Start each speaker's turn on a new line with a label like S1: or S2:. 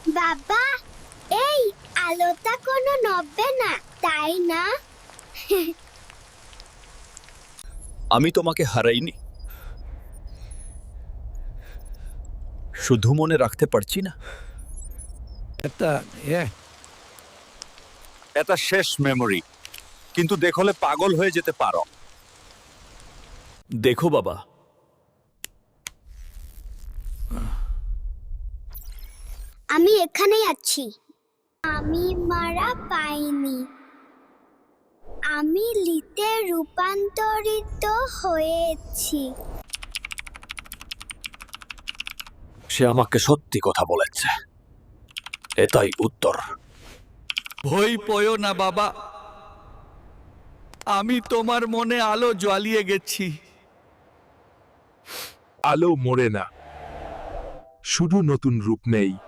S1: বাবা, এই আলোটা কোনো নড়বে না, তাই না?
S2: আমি তোমাকে হারাইনি, শুধু মনে রাখতে পারছি না। এটা শেষ মেমরি, কিন্তু দেখলে পাগল হয়ে যেতে পারো। দেখো বাবা,
S1: আমি এখানেই আছি। আমি মারা পাইনি। আমি লিতে রূপান্তরিত হয়েছি।
S2: সে আমাকে সত্যি কথা বলেছে, এটাই উত্তর। ভয় পয়ো না বাবা, আমি তোমার মনে আলো জ্বালিয়ে গেছি।
S3: আলো মরে না, শুধু নতুন রূপ নেই।